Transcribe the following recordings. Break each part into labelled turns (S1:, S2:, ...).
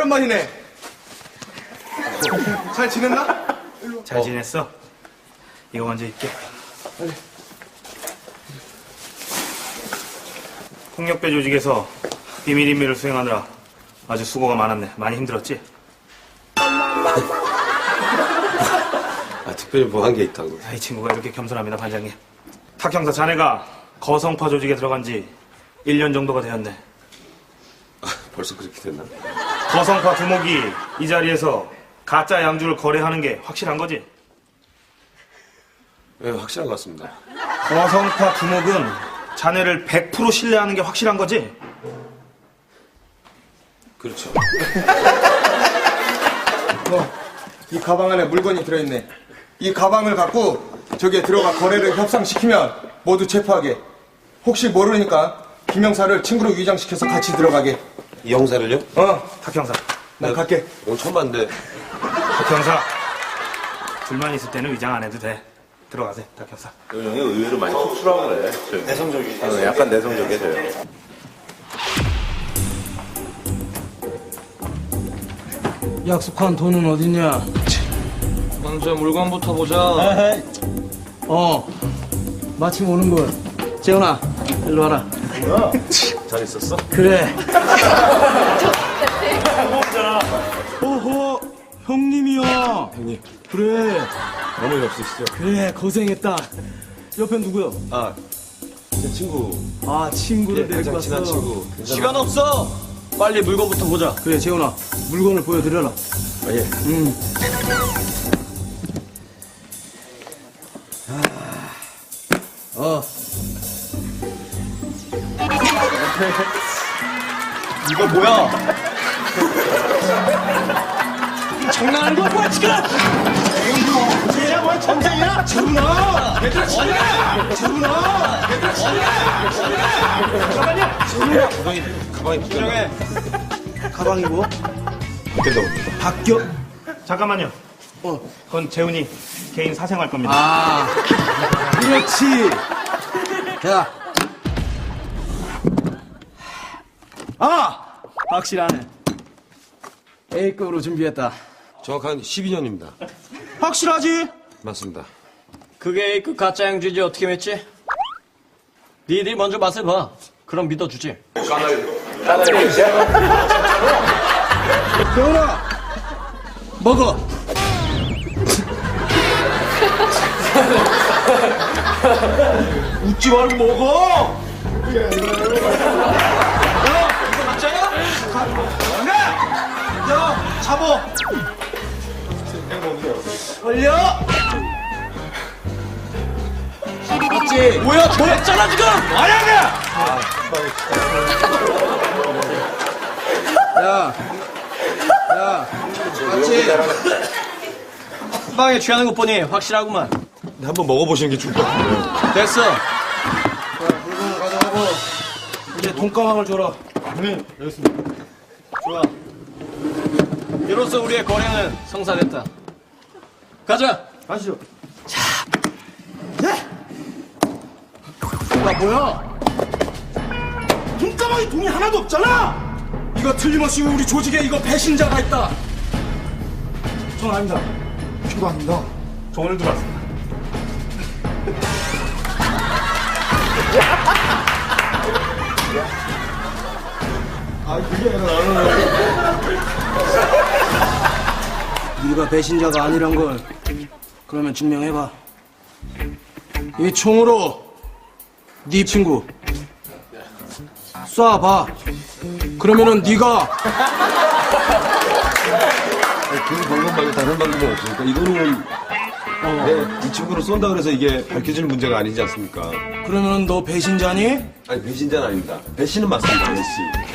S1: 오랜만이네. 잘 지냈나?
S2: 잘 지냈어? 이거 먼저 입게. 폭력배 조직에서 비밀 임무를 수행하느라 아주 수고가 많았네. 많이 힘들었지?
S3: 특별히 뭐 한 게 있다고.
S2: 이 친구가 이렇게 겸손합니다, 반장님. 탁 형사, 자네가 거성파 조직에 들어간 지 1년 정도가 되었네.
S3: 벌써 그렇게 됐나?
S2: 거성파 두목이 이 자리에서 가짜 양주를 거래하는 게 확실한 거지?
S3: 네, 확실한 것 같습니다.
S2: 거성파 두목은 자네를 100% 신뢰하는 게 확실한 거지?
S3: 그렇죠.
S1: 이 가방 안에 물건이 들어있네. 이 가방을 갖고 저기에 들어가 거래를 협상시키면 모두 체포하게. 혹시 모르니까 김영사를 친구로 위장시켜서 같이 들어가게.
S3: 이 형사를요?
S2: 탁 형사.
S1: 난 갈게.
S3: 오늘 처음 봤는데.
S2: 탁 형사. 둘만 있을 때는 위장 안 해도 돼. 들어가세요, 탁 형사.
S4: 형이 의외로 많이 쑥스러워 그래. 내성적이지. 약간 내성적이에요.
S5: 약속한 돈은 어딨냐?
S6: 먼저 물건부터 보자.
S5: 마침 오는군. 재훈아, 일로 와라.
S3: 잘 있었어?
S5: 그래. 어허, 형님이야.
S3: 형님.
S5: 그래,
S3: 어머니 없으시죠?
S5: 그래, 고생했다. 옆엔 누구야?
S3: 아, 제 친구.
S5: 아, 친구를 데리고
S3: 가장
S5: 왔어.
S3: 친한 친구.
S6: 시간 없어. 빨리 물건부터 보자.
S5: 그래, 재훈아, 물건을 보여드려라.
S3: 아, 예.
S6: 이거 뭐야? 장난하는 거야 뭐야 지금? 얘야 뭐야 전쟁이야? 재훈아! 얘들아 지금! 재훈아! 얘들아 지금!
S3: 가방이
S6: 진정해.
S5: 가방이 뭐?
S3: 바뀐다고.
S5: 바뀌어?
S2: 잠깐만요. 그건 재훈이 개인 사생활 겁니다.
S5: 아, 그렇지. 야. 확실하네. A급으로 준비했다.
S3: 정확한 12년입니다.
S5: 확실하지?
S3: 맞습니다.
S6: 그게 A급 가짜 양주지 어떻게 맺지? 니들이 먼저 맛을 봐. 그럼 믿어주지.
S5: 재훈아, 먹어.
S6: 웃지 말고 먹어! 야, 잡어!
S5: 걸려. 맞지?
S6: 뭐야, 더했잖아 지금!
S5: 야, 맞지?
S6: 빵에 취하는 것 보니 확실하구만.
S3: 한번 먹어보시는 게 좋을 것 같아요.
S6: 됐어.
S5: 물건 가져가고 이제 돈가방을 줘라.
S6: 좋아. 이로써 우리의 거래는 성사됐다. 가자.
S5: 가시죠. 야, 뭐야? 돈가방에 돈이 하나도 없잖아. 이거 틀림없이 우리 조직에 이거 배신자가 있다. 전 아닙니다. 저도 아닙니다.
S2: 저 오늘 들어왔습니다.
S5: 네가 배신자가 아니란 걸 그러면 증명해봐. 이 총으로 네 친구 쏴봐. 그러면은 네가
S3: 그 방법 말고 다른 방법은 없으니까 이거는 이 친구를 쏜다 그래서 이게 밝혀지는 문제가 아니지 않습니까?
S5: 그러면은 너 배신자니?
S3: 아니 배신자는 아닙니다. 배신은 맞습니다, 배신.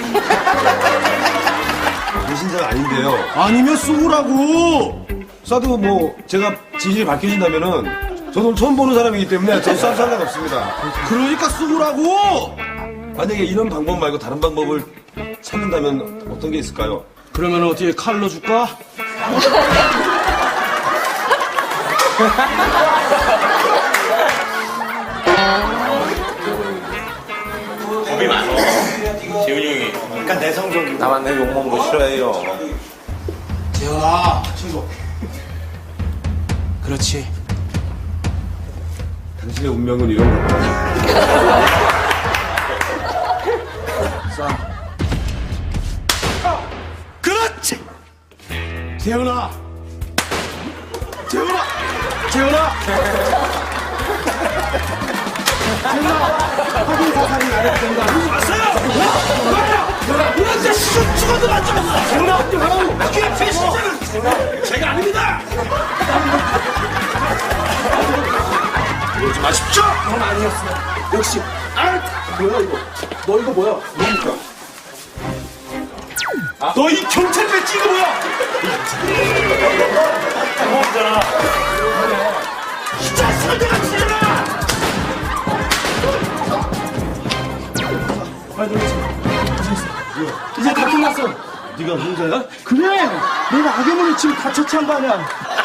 S3: 배신자가 아닌데요.
S5: 아니면 쏘라고.
S3: 쏴도 뭐 제가 진실이 밝혀진다면은 저는 처음 보는 사람이기 때문에 저 쏴도 상관없습니다.
S5: 그러니까 쏘라고.
S3: 만약에 이런 방법 말고 다른 방법을 찾는다면 어떤 게 있을까요?
S5: 그러면 어떻게 칼로 줄까?
S4: 겁이 많어. 재훈이 형이. 약간 내성적이고. 나만 내 욕먹는 거 싫어해요.
S5: 좋아, 친구. 그렇지.
S3: 당신의 운명은 이런 거야.
S5: 그렇지! 재훈아! 재훈아! 재훈아! 확인 사살이 나를 된다. 왔어요! 이런 데 죽어도 안 죽었어! 재훈아! 그게 배신자는 제가 아닙니다! 그러지 마십시오! 넌 아니었어. 역시. 뭐야 이거? 너 이거 뭐야? 뭡니까? 너 이 경찰 배지 이거 뭐야?
S2: 고맙잖아.
S5: 이 자식아 내가 치잖아! 이제 다 끝났어.
S3: 네가 혼자야?
S5: 그래! 내가 악의물을 지금 다 처치한 거 아니야.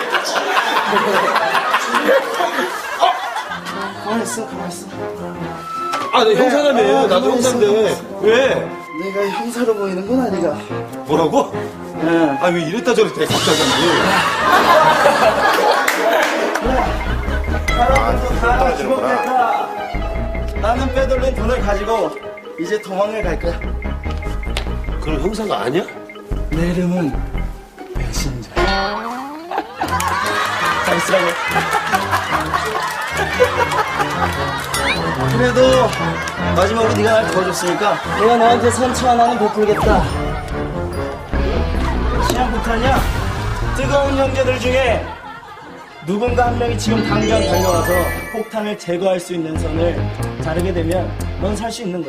S5: 가만있어, 가만있어.
S3: 아, 내 형사라며. 나도 형사인데. 왜?
S5: 내가 형사로 보이는 건 아니가.
S3: 뭐라고?
S5: 네.
S3: 아, 왜 이랬다 저랬다 갑자기.
S5: 사람들도 다 죽어갈까. 나는 빼돌린 돈을 가지고 이제 도망을 갈 거야.
S3: 그럼 형사가 아니야?
S5: 내 이름은 배신자. 잘 쓰라고. 그래도 마지막으로 네가 날 도와줬으니까 내가 너한테 선처 하나는 베풀겠다. 시한폭탄이야. 뜨거운 형제들 중에 누군가 한 명이 지금 당장 달려와서 폭탄을 제거할 수 있는 선을 자르게 되면 넌 살 수 있는 거야.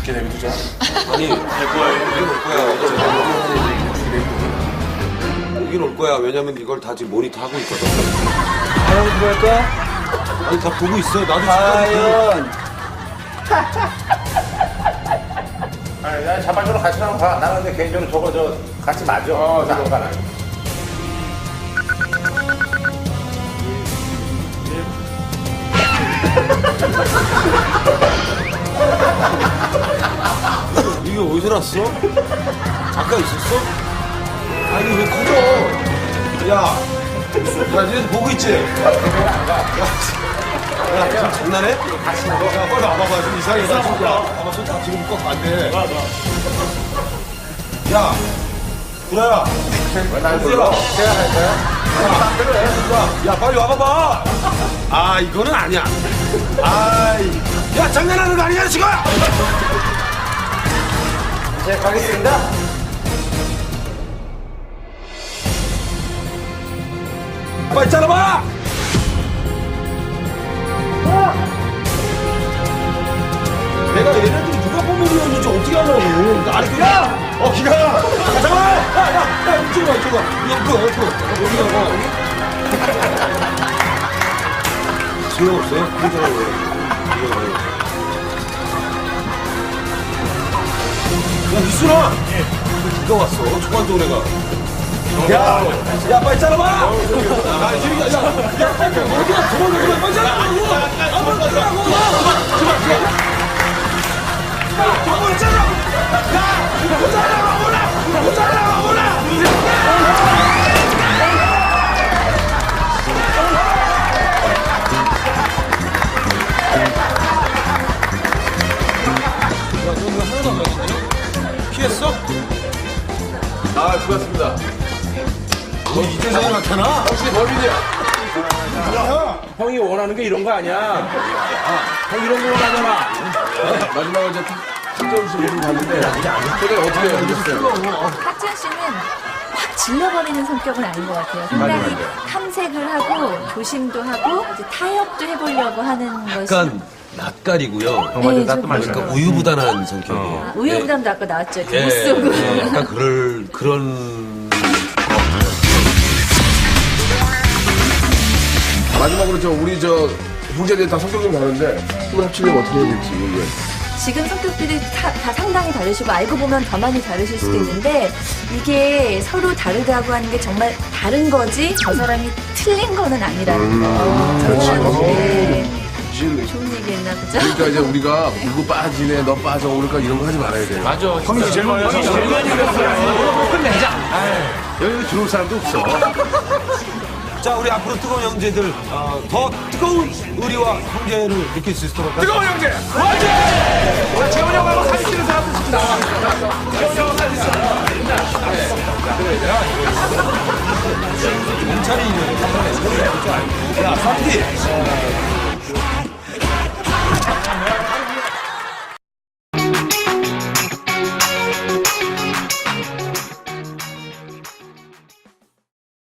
S3: 여긴 올 거야. 왜냐면 이걸 다 지금 모니터하고 있거든.
S5: 과연 누굴까?
S3: 아니, 다 보고 있어. 나도 지금.
S5: 과연
S4: 아니, 나 자발적으로 같이 나면 가. 나는 근데 개인적으로 저거 같이 맞아. 나안 가.
S3: 이게 어디서 났어? 아까 있었어? 아니, 왜 커져? 야, 니네 보고 있지? 야, 지금 장난해? 야, 빨리 와봐봐. 좀 이상해. 나 지금, 봐봐, 손다 지금 꺾 안 돼. 야, 구라야.
S4: 왜날 불러? 제가 할 거야?
S3: 야, 빨리 와봐봐. 아, 이거는 아니야. 아이, 야, 장난하는 거 아니야, 지금?
S5: 이제 가겠습니다.
S3: 빨리 잘라봐! 내가 얘네들이 누가 포메리언인지 어떻게 하냐고. 나를 그냥. 기가. 잠깐만! 야, 이쪽으로 와, 이쪽으로 와. 이거. 여기가 와. 소용없어요? 괜찮아요. 야, 미순아! 누가 왔어? 초반도 내가. 야, 빨리 잘라봐! 야, 빨리 어디가 도망가, 빨리 잘라봐! 피했어?
S4: 아, 수고하셨습니다.
S3: 너 이재성이 나타나?
S4: 혹시 범인이야? 형이 원하는 게 이런 거 아니야? 형 이런 거 원하잖아. 마지막에 이제 특정 씨를 봤는데 그게 어떻게 연기했어요?
S7: 박지현 씨는 확 질러버리는 성격은 아닌 것 같아요. 상당히 탐색을 하고 조심도 하고 이제 타협도 해보려고 하는 것이
S3: 약간 낯가리고요.
S7: 네,
S3: 그러니까 우유부단한 성격이에요.
S7: 우유부담도 아까 나왔죠.
S3: 예,
S7: 못 쏘고.
S3: 약간 그런.
S4: 마지막으로 우리 형제들이 다 성격 좀 다른데 힘을 합치려면 어떻게 해야 될지 이게.
S7: 지금 성격들이 다 상당히 다르시고 알고 보면 더 많이 다르실 수도 있는데 이게 서로 다르다고 하는 게 정말 다른 거지 저 사람이 틀린 거는 아니라는 거.
S4: 그렇지.
S7: 네.
S4: 사실
S7: 좋은 얘기 했나 보죠?
S4: 그러니까 이제 우리가 누구 빠지네 너 빠져 그러니까 이런 거 하지 말아야 돼요.
S3: 맞아.
S2: 형이 제일 많이 했어.
S3: 끝내자.
S4: 여기 들어올 사람도 없어.
S3: 자, 우리 앞으로 뜨거운 형제들 더 뜨거운 의리와 형제를 느낄 수 있도록
S2: 뜨거운 형제! 화이팅! 재훈이 형하고 사진 찍는 사람들 지금 나와. 재훈이 형하고 사진 찍는
S3: 경찰이 야, 삼디